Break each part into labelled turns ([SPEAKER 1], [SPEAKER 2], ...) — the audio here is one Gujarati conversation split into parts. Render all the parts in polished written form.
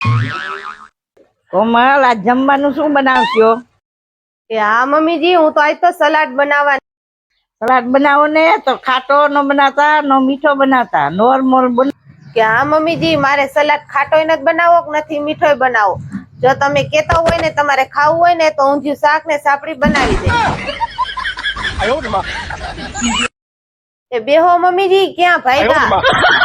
[SPEAKER 1] કોમલ, આ જમવાનું શું બનાવશો?
[SPEAKER 2] હા મમ્મીજી, હું તો આજ તો સલાડ બનાવવાની.
[SPEAKER 1] સલાડ બનાવો ને તો ખાટો ન બનાવતા, નો મીઠો બનાવતા, નોર્મલ
[SPEAKER 2] કે હા મમ્મીજી, મારે સલાડ ખાટોય નથી બનાવો કે નથી મીઠોય બનાવો. જો તમે કેતા હોય ને તમારે ખાવું હોય ને તો ઊંધિયું શાક ને સાપડી બનાવી દે. એ બેહો મમ્મીજી, ક્યાં ભાઈગા?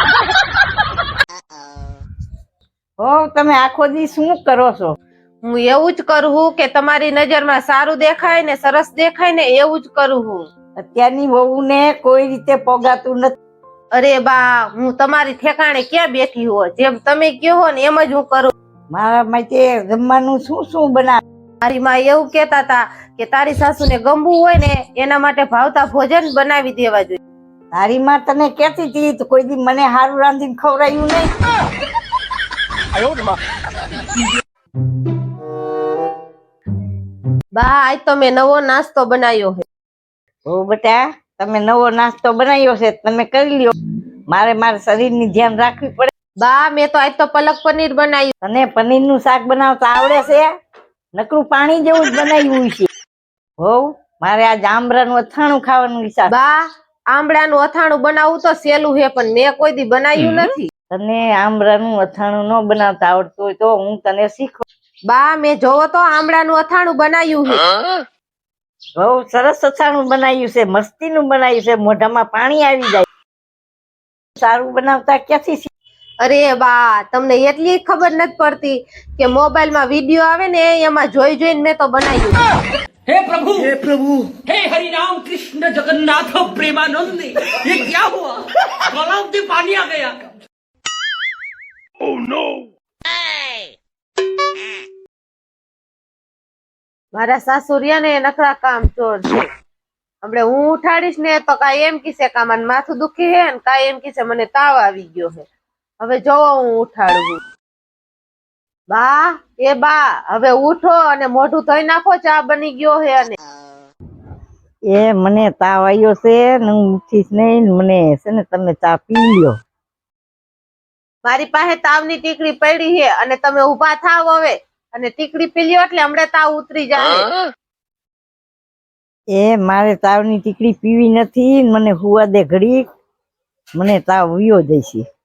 [SPEAKER 1] હો, તમે આખો દી શું કરો છો?
[SPEAKER 2] હું એવું જ કરું હું કે તમારી નજરમાં સારું દેખાય ને સરસ દેખાય ને એવું જ કરું હું.
[SPEAKER 1] અત્યારની વહુને કોઈ રીતે પોગાતું નથી.
[SPEAKER 2] અરે બા, હું તમારી ઠેકાણે ક્યાં બેઠી હો? જેમ તમે કહો ને એમ જ હું કરું.
[SPEAKER 1] મારા માટે જમવાનું શું શું બનાવે?
[SPEAKER 2] મારી માં એવું કેતા હતા કે તારી સાસુને ગમવું હોય ને એના માટે ભાવતા ભોજન બનાવી દેવા જોઈએ.
[SPEAKER 1] તારી માં તને કેતી હતી તો કોઈ દી મને હારું રાંધીને ખવડાયું નહીં.
[SPEAKER 2] બા, આજ તો મેં નવો નાસ્તો બનાવ્યો છે.
[SPEAKER 1] ઓ બેટા, તમે નવો નાસ્તો બનાવ્યો છે, તમે કરી લ્યો. મારે મારા શરીરની ધ્યાન રાખવી પડે.
[SPEAKER 2] બા, મેં તો આજ તો પલક પનીર બનાવ્યું.
[SPEAKER 1] તને પનીરનું શાક બનાવતા આવડે છે? નકરું પાણી જેવું જ બનાવ્યું છે. હો, મારે આજ આંબરાનું અથાણું ખાવાનું ઈચ્છા.
[SPEAKER 2] બા, આંબળાનું અથાણું બનાવવું તો સહેલું છે, પણ મેં કોઈ દી બનાવ્યું નથી.
[SPEAKER 1] તને આંબળાનું અથાણું ન બનાવતા આવડતું હોય તો હું તને શીખવું.
[SPEAKER 2] બા, મેં જોવો તો આંબળાનું અથાણું બનાવ્યું છે.
[SPEAKER 1] બહુ સરસ અથાણું બનાવ્યું છે, મસ્તીનું બનાવ્યું છે, મોઢામાં પાણી આવી જાય. સારું બનાવતા ક્યાંથી?
[SPEAKER 2] અરે બા, તમને એટલી ખબર નથી પડતી કે મોબાઈલમાં વિડિયો આવે ને એમાં જોઈ જોઈને મેં તો બનાવ્યું.
[SPEAKER 3] हे प्रभु हे हरि राम कृष्ण जगन्नाथ प्रेमानंद ये क्या हुआ गलाव में पानी आ गया oh no
[SPEAKER 2] મારા સાસુરિયા ને નખરા કામ ચોર છે. હમણે હું ઉઠાડીશ ને તો કાંઈ એમ કીશે કે મને માથું દુખી હે ને કાંઈ એમ કીશે મને તાવ આવી ગયો છે. હવે જોવો હું ઉઠાડું. બા, એ બા, હવે ઉઠો અને મોઢું ધોઈ નાખો, ચા બની ગયો છે. અને
[SPEAKER 1] એ મને તાવ આવ્યો છે ને હું ઉઠીશ નહીં. મને છે ને તમે ચા પી લ્યો.
[SPEAKER 2] મારી પાસે તાવની ટીકડી પડી છે અને તમે ઊભા થાવ હવે અને ટીકડી પી લ્યો એટલે હમણાં તાવ ઉતરી જાય.
[SPEAKER 1] એ મારે તાવની ટીકડી પીવી નથી. મને હુવા દે ઘડી, મને તાવ વયો જશે.